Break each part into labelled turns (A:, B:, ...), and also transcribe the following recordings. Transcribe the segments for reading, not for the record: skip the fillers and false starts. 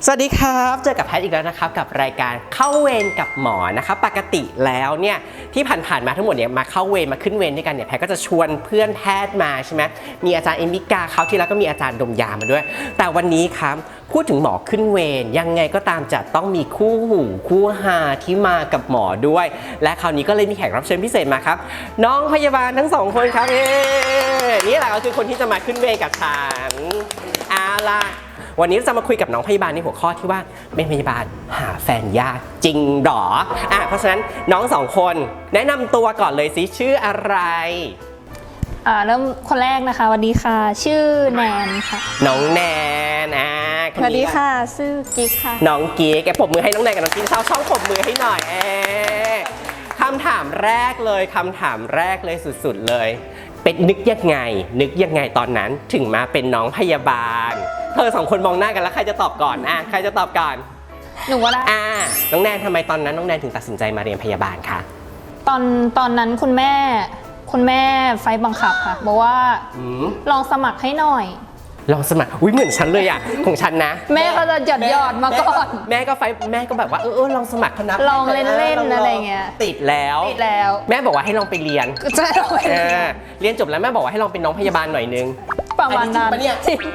A: สวัสดีครับเจอกับแพทย์อีกแล้วนะครับกับรายการเข้าเวรกับหมอนะครับปกติแล้วเนี่ยที่ผ่านมาทั้งหมดเนี่ยมาเข้าเวรมาขึ้นเวรด้วยกันเนี่ยแพทย์ก็จะชวนเพื่อนแพทย์มาใช่ไหมมีอาจารย์เอมิกาเขาที่แล้วก็มีอาจารย์ดมยามาด้วยแต่วันนี้ครับพูดถึงหมอขึ้นเวรยังไงก็ตามจะต้องมีคู่หูคู่หาที่มากับหมอด้วยและคราวนี้ก็เลยมีแขกรับเชิญพิเศษมาครับน้องพยาบาลทั้งสองคนครับนี่แหละก็คือคนที่จะมาขึ้นเวรกับฉันเอาล่ะวันนี้จะมาคุยกับน้องพยาบาลในหัวข้อที่ว่าเป็นพยาบาลหาแฟนยากจริงหรอเพราะฉะนั้นน้องสองคนแนะนำตัวก่อนเลยสิชื่ออะไร
B: เริ่มคนแรกนะคะสวัสดีค่ะชื่อแนนค่ะ
A: น้องแนน
B: สวัสดีค่ะชื่อกิ๊กค่ะ
A: น้องกิ๊กแกปรบมือให้น้องแนนกับน้องกิ๊กช่องปรบมือให้หน่อยคำถามแรกเลยสุดๆเลยเป็นนึกยังไงตอนนั้นถึงมาเป็นน้องพยาบาลเธอสองคนมองหน้ากันแล้วใครจะตอบก่อนใครจะตอบก่อน
B: หนูก็ได้
A: น้องแนนทำไมตอนนั้นน้องแนนถึงตัดสินใจมาเรียนพยาบาลคะ
B: ตอนนั้นคุณแม่ไฟบังคับค่ะบอกว่าลองสมัครให้หน่อย
A: ลองสมัครเหมือนฉันเลยของฉันนะ
B: แม่ก็จะหยอดมาก่อน
A: แม่ก็แบบว่าลองสมัครเขานับ
B: ลองเล่นอะไรเงี้ย
A: ติดแล้วแม่บอกว่าให้ลองไปเรียน
B: ใช่
A: เรียนจบแล้วแม่บอกว่าให้ลองเป็นน้องพยาบาลหน่อยนึง
B: ประมาณนั้นจริง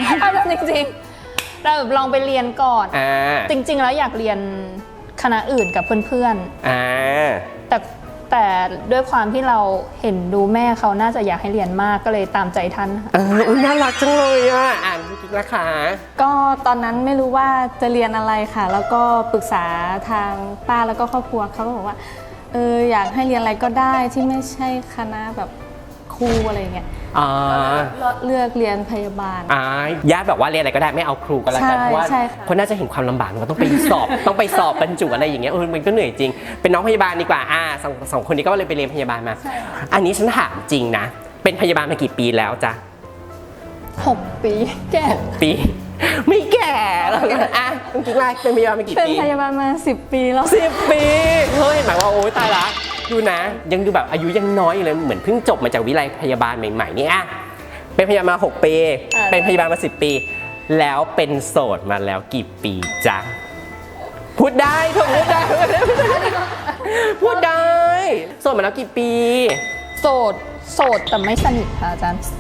B: เราลองไปเรียนก่อนจริงๆแล้วอยากเรียนคณะอื่นกับเพื่อนๆแต่ด้วยความที่เราเห็นดูแม่เขาน่าจะอยากให้เรียนมากก็เลยตามใจท่าน
A: น่ารักจังเลยอ่านกิ๊กนะคะ
C: ก็ตอนนั้นไม่รู้ว่าจะเรียนอะไรค่ะแล้วก็ปรึกษาทางป้าแล้วก็ครอบครัวเขาก็บอกว่าอยากให้เรียนอะไรก็ได้ที่ไม่ใช่คณะแบบครูอะไรเงี้ยเลือกเรียนพยาบาล
A: ญาติแบบว่าเรียนอะไรก็ได้ไม่เอาครูก็แล้วกันเพราะว่าคนน่าจะเห็นความลำบากมันต้องไปสอบ ต้องไปสอบบรรจุอะไรอย่างเงี้ยมันก็เหนื่อยจริงเป็นน้องพยาบาลดีกว่าสองคนนี้ก็เลยไปเรียนพยาบาลมาอันนี้ฉันถามจริงนะเป็นพยาบาลมากี่ปีแล้วจ๊ะ
B: 6 ปีแก่
A: 6 ปีไม่แก่แล้วจริงๆเป็นพยาบาลมากี่ปี
C: เป็นพยาบาลมา10 ปีแล้ว
A: 10 ปีเฮ้ยหมายว่าโอ๊ยตายละดูนะยังดูแบบอายุยังน้อยอยู่เลยเหมือนเพิ่งจบมาจากวิทยาลัยพยาบาลใหม่ๆนี่เป็นพยาบาลมา6 ปีเป็นพยาบาลมา10 ปีแล้วเป็นโสดมาแล้วกี่ปีจ๊ะพูดได้ถูกพูดได้พูดได้โสดมาแล้วกี่ปี
B: โสดแต่ไม่สนิทค่ะอาจารย์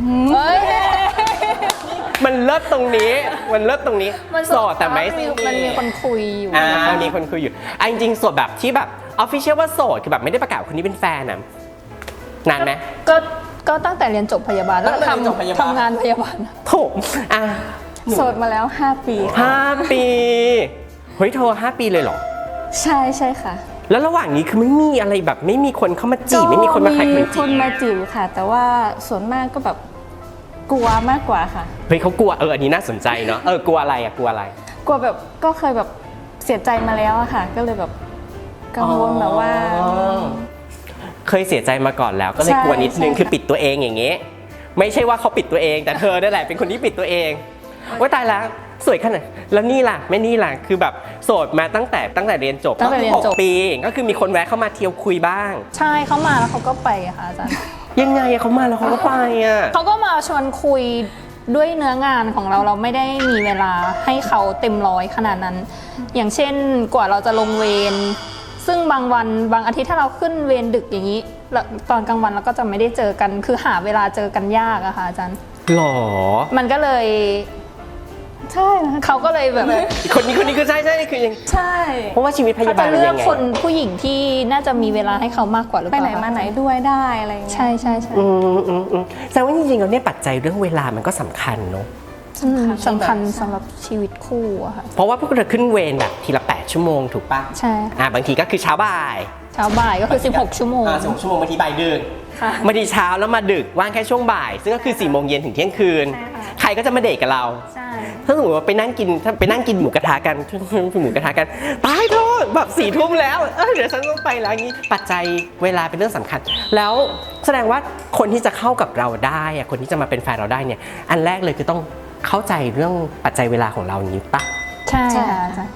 A: มันเลิศตรงนี้โสดแต่ไม่
B: มันมีคนคุยอยู่
A: มีคนคุยอยู่จริงๆโสดแบบที่แบบออฟฟิเชียลว่าโสดคือแบบไม่ได้ประกาศคนนี้เป็นแฟนนานไหม
B: ก็ตั้งแต่เรียนจบพยาบาลแล้วทำงานพยาบาล
A: ถูก
C: โสดมาแล้ว5 ปี
A: 5 ปีเฮ้ยโทร5 ปีเลยเหรอ
C: ใช่ค่ะ
A: แล้วระหว่างนี้คือไม่มีอะไรแบบไม่มีคนเข้ามาจีบไม่มีคนมาขายขนมจีบ
C: มีคนมาจีบค่ะแต่ว่าส่วนมากก็แบบกลัวมากกว่าค่ะ
A: เฮ้ยเขากลัวอันนี้น่าสนใจเนาะกลัวอะไรกลัว
C: แบบก็เคยแบบเสียใจมาแล้วอะค่ะก็เลยแบบกังวลแบบว่า
A: เคยเสียใจมาก่อนแล้วก็เลยกลัวนิดนึงคือปิดตัวเองอย่างเงี้ยไม่ใช่ว่าเขาปิดตัวเองแต่เธอนั่นแหละเป็นคนที่ปิดตัวเองว่าตายแล้วสวยขนาดแล้วนี่ล่ะไม่นี่ล่ะคือแบบโสดมาตั้งแต่เรียนจบ6 ปีก็คือมีคนแวะเข้ามาเที่ยวคุยบ้าง
B: ใช่เขามาแล้วเขาก็ไปค่ะอาจารย์
A: ยังไงเขามาแล้วเขาก็ไป
B: เขาก็มาชวนคุยด้วยเนื้องานของเราไม่ได้มีเวลาให้เขาเต็มร้อยขนาดนั้นอย่างเช่นกว่าเราจะลงเวรซึ่งบางวันบางอาทิตย์ถ้าเราขึ้นเวรดึกอย่างนี้ตอนกลางวันเราก็จะไม่ได้เจอกันคือหาเวลาเจอกันยากอะค่ะอาจารย์
A: หรอ
B: มันก็เลย
C: ใช่
B: เขาก็เลยแบบ
A: คนนี้คือใช่คือยัง
C: ใช่
A: เพราะว่าชีวิตพยาบาล
B: จะเลือกคนผู้หญิงที่น่าจะมีเวลาให้เขามากกว่าหรือเปล่า
C: ไปไหนมาไหนด้วยได้อะไรเงี้ย
B: ใช่
A: แสดงว่าจริงๆแล้วเนี่ยปัจจัยเรื่องเวลามันก็สำคัญเนาะ
B: สำคัญสำหรับชีวิตคู่อะค่ะ
A: เพราะว่าพวกเราขึ้นเวรแบบทีละ8 ชั่วโมงถูกป่ะ
B: ใช่
A: บางทีก็คือเช้าบ่าย
B: ก็คือ16 ชั่วโมง
A: 16 ชั่วโมงบางทีบ่ายดึกบางทีเช้าแล้วมาดึกว่างแค่ช่วงบ่ายซึ่งก็คือ4 โมงเย็นถึงเที่ยงคืนใครก็จะมาเดทกับเราถ้าสมมติว่าไปนั่งกินหมูกระทะกันตายโทษแบบ4 ทุ่มแล้วเดี๋ยวฉันต้องไปแล้วงี้ปัจจัยเวลาเป็นเรื่องสำคัญแล้วแสดงว่าคนที่จะเข้ากับเราได้คนที่จะมาเป็นแฟนเราได้เนี่ยอันแรกเลยคือต้องเข้าใจเรื่องปัจจัยเวลาของเราอย่างนี้ปะ
B: ใช่ค่ะ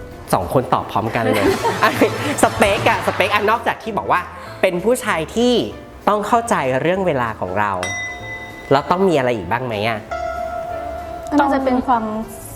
A: 2 คนตอบพร้อมกันเลยสเปคนอกจากที่บอกว่าเป็นผู้ชายที่ต้องเข้าใจเรื่องเวลาของเราแล้วต้องมีอะไรอีกบ้างไหม
C: น่าจะเป็นความ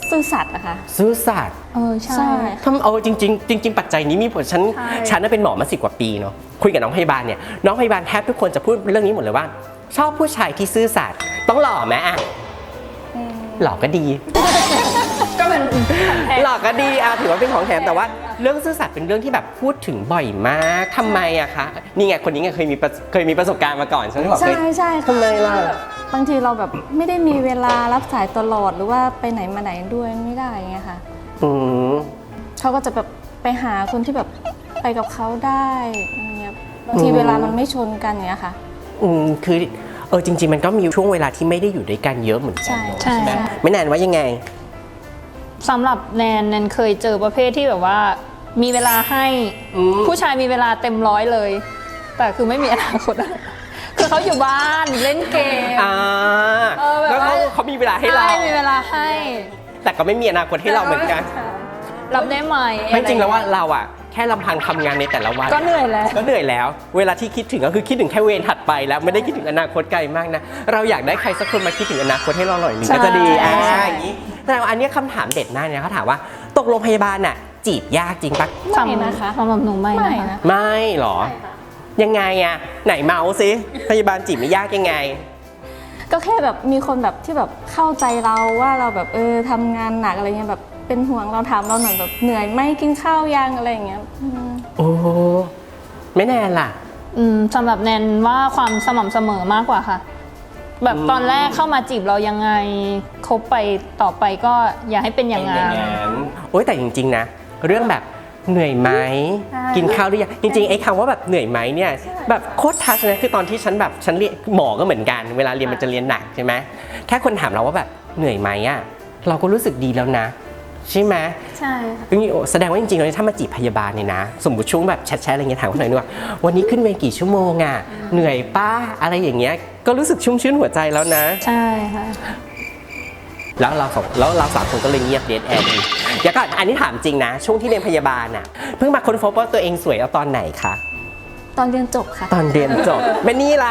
C: ซื่อสัตย์อะค่ะ
A: ซื่อสัตย์
B: ใช่
C: ใช่
A: ทำจริง ปัจจัยนี้มีผลฉันน่ะเป็นหมอมา10 กว่าปีเนาะคุยกับน้องพยาบาลเนี่ยน้องพยาบาลแทบทุกคนจะพูดเรื่องนี้หมดเลยว่า ชอบผู้ชายที่ซื่อสัตย์ต้องหล่อไหมอะหล่อก็ดี
B: ก็เป็น
A: หล่อก็ดีถือว่าเป็นของแถมแต่ว่าเรื่องซื่อสัตย์เป็นเรื่องที่แบบพูดถึงบ่อยมากทำไมอะคะนี่ไงคนนี้ไงเคยมีประสบการณ์มาก่อนฉันบอก
C: ใช่
A: เลย
C: ใช่
A: ทำไมล่ะ
C: บางทีเราแบบไม่ได้มีเวลารับสายตลอดหรือว่าไปไหนมาไหนด้วยไม่ได้อย่างเงี้ยค่ะ
A: อืม
C: เขาก็จะแบบไปหาคนที่แบบไปกับเขาได้อะไรเงี้ยบางทีเวลามันไม่ชนกันอย่างเงี้ยค่ะ
A: คือจริง ๆ มันก็มีช่วงเวลาที่ไม่ได้อยู่ด้วยกันเยอะเหมือนกั
C: ใช่
B: ใช่
A: ไหมไม่นานว่ายังไง
B: สำหรับแนนเคยเจอประเภทที่แบบว่ามีเวลาให้ผู้ชายมีเวลาเต็มร้อยเลย แต่คือไม่มีอนาคตอะคือเขาอยู่บ้านเล่นเกม แบบ
A: แล้ว
B: ว่า
A: เขามีเวลาให้เรา
B: ใช่มีเวลาให้
A: แต่ก็ไม่มีอนาคตให้เราเหมือนกัน
B: รับได้ไหม
A: ไม่จริงแล้วว่าเราอะแค่ลำพังทำงานในแต่ละวัน
B: ก็เหนื่อยแล้ว
A: ก็เหนื่อยแล้ว เวลาที่คิดถึงก็คือคิดถึงแค่เวรถัดไปแล้วไม่ได้คิดถึงอนาคตไกลมากนะเราอยากได้ใครสักคนมาคิดถึงอนาคตให้เราหน่อยหนึง
B: ใช่
A: ก็จะดี
B: ใช่
A: อย่างนี้แต่อันเนี้ยคำถามเด็ดมากเนี่ยเขาถามว่าตกลงพยาบาลน่ะจีบยากจริงปะ
C: ไม่นะคะ
B: สำหรับหนูไม่
C: ไม่
B: นะ
C: นะคะ
A: ไม่หรอ ยังไงอะไหนเมาสิพยาบาลจีบไม่ยากยังไง
C: ก็แค่แบบมีคนแบบที่แบบเข้าใจเราว่าเราแบบทำงานหนักอะไรเงี้ยแบบเป็นห่วงเราถามเราหน่อยแบบเหนื่อยไหมกินข้าวยังอะไรอย่างเงี้ย
A: โอ้ไม่แน่ล่ะ
B: สำหรับแนนว่าความสม่ำเสมอมากกว่าค่ะ แบบตอนแรกเข้ามาจีบเรายังไงคบไปต่อไปก็อย่าให้เป็นอย่างนั้น
A: โอ้ยแต่จริงๆนะเรื่องแบบเหนื่อยไหม
C: ใช่
A: กินข้าวหรือยังจริงๆไอ้คำว่าแบบเหนื่อยไหมเนี่ยแบบโคตรทัชนะคือตอนที่ฉันเรียนหมอก็เหมือนกันเวลาเรียนมันจะเรียนหนักใช่ไหมแค่คนถามเราว่าแบบเหนื่อยไหมอะเราก็รู้สึกดีแล้วนะใช่ไหม
C: ใช่ค่ะ
A: แสดงว่าจริงๆแล้วถ้ามาจีบพยาบาลเนี่ยนะสมมติช่วงแบบแชทๆอะไรเงี้ยถามคนไหนด้วยว่าวันนี้ขึ้นเวรกี่ชั่วโมงอะเหนื่อยป้าอะไรอย่างเงี้ยก็รู้สึกชุ่มชื่นหัวใจแล้วนะ
B: ใช่ค่ะ
A: แล้วเราสามคนก็เลยเงียบเดทแอร์ดีเดี๋ยวก่อนอันนี้ถามจริงนะ ช่วงที่เรียนพยาบาลน่ะเพิ่งมาค้นพบว่าตัวเองสวยเอาตอนไหนคะ
C: ตอนเรียนจบค่ะ
A: ตอนเรียนจบไม่นี่ล่ะ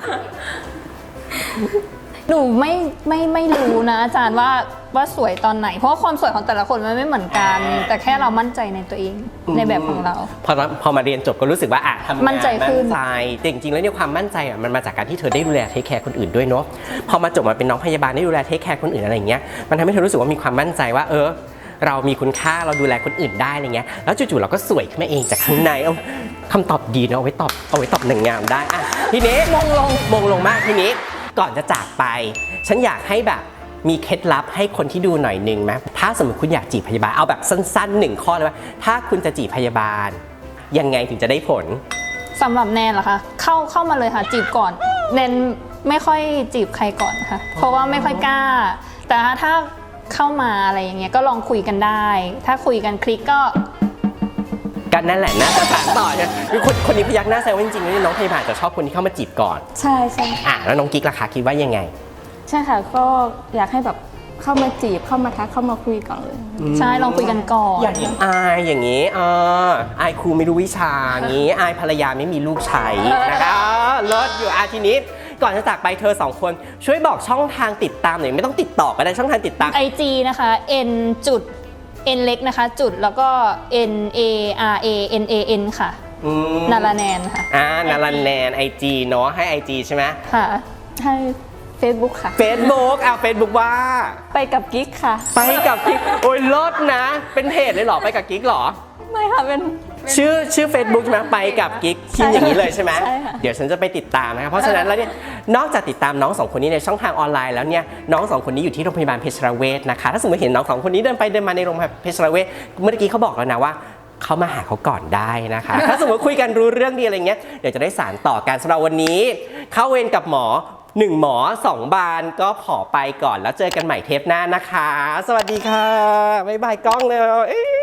B: หนูไม่รู้นะอาจารย์ว่าสวยตอนไหน เพราะว่าความสวยของแต่ละคนมันไม่เหมือนกัน แต่แค่เรามั่นใจในตัวเองในแบบของเรา
A: พอมาเรียนจบก็รู้สึกว่าทำงาน
B: มั่นใจขึ้น
A: แต่จริงๆแล้วเนี่ยความมั่นใจมันมาจากการที่เธอได้ดูแลเทคแคร์คนอื่นด้วยเนาะพอมาจบมาเป็นน้องพยาบาลได้ดูแลเทคแคร์คนอื่นอะไรอย่างเงี้ยมันทำให้เธอรู้สึกว่ามีความมั่นใจว่าเรามีคุณค่าเราดูแลคนอื่นได้อะไรเงี้ยแล้วจู่ๆเราก็สวยขึ้นมาเองจากข้างในคำตอบดีเนาะเอาไว้ตอบหนึ่งงามได้ทีนี้มงลงมากทีนี้ก่อนจะจากไป ฉันอยากให้แบบมีเคล็ดลับให้คนที่ดูหน่อยนึงไหมถ้าสมมติคุณอยากจีบพยาบาลเอาแบบสั้นๆ1 ข้อเลยว่าถ้าคุณจะจีบพยาบาลยังไงถึงจะได้ผล
B: สำหรับแนนเหรอคะเข้ามาเลยค่ะจีบก่อนแนนไม่ค่อยจีบใครก่อนนะคะเพราะว่าไม่ค่อยกล้า แต่ถ้าเข้ามาอะไรอย่างเงี้ยก็ลองคุยกันได้ ถ้าคุยกันคลิกก็
A: กันนั่นแหละนะจะถามต่อเนี่ยคือคนนี้พยักหน้าแซวว่าจริงๆแล้วน้องพยาบาลจะชอบคนที่เข้ามาจีบก่อน
C: ใช่ใช่
A: แล้วน้องกิ๊กล่ะคะคิดว่ายังไง
C: ใช่ค่ะก็อยากให้แบบเข้ามาจีบเข้ามาทักเข้ามาคุยก่อนเลย
B: ใช่ลองคุยกันก่อน
A: อย่างอายอย่างนี้อายครูไม่รู้วิชาอย่างนี้อายภรรยาไม่มีลูกใช้นะคะเลิศอยู่ทีนี้ก่อนจะจากไปเธอ2 คนช่วยบอกช่องทางติดตามหน่อยไม่ต้องติดต่อก็ได้ช่องทางติดตาม
B: IG นะคะ n จุด n เล็กนะคะจุดแล้วก็ n a r a n a n ค่ะนาราแนนค่ะ
A: นารันแนน IG เนาะให้ IG ใช่ไหม
B: ค่ะ
C: ให้ Facebook ค่ะ
A: Facebook Facebook ว่า
C: ไปกับกิ๊กค่ะ
A: ไปกับกิ๊กโอ้ยเลิศนะ เป็นเพจเลยเหรอไปกับกิ๊กเหรอ
C: ไม่ค่ะเป็น
A: ชื่อ Facebook ใช่ไหมไปกับกิ๊กพิมพ์อย่างนี้เลยใช่ไหม
C: ใช่ค่ะ
A: เดี๋ยวฉันจะไปติดตามนะครับเพราะฉะนั้นแล้วเนี่ยนอกจากติดตามน้อง2 คนนี้ในช่องทางออนไลน์แล้วเนี่ยน้อง2 คนนี้อยู่ที่โรงพยาบาลเพชรเวชนะคะถ้าสมมติเห็นน้อง2 คนนี้เดินไปเดินมาในโรงพยาบาลเพชรเวชเมื่อกี้เขาบอกแล้วนะว่าเขามาหาเขาก่อนได้นะคะ ถ้าสมมติคุยกันรู้เรื่องดีอะไรเงี้ยเดี๋ยวจะได้สานต่อกันสำหรับวันนี้เข้าเวรกับหมอ1 หมอ 2 บานก็ขอไปก่อนแล้วเจอกันใหม่เทปหน้านะคะ สวัสดีค่ะบ๊ายบายกล้องเลย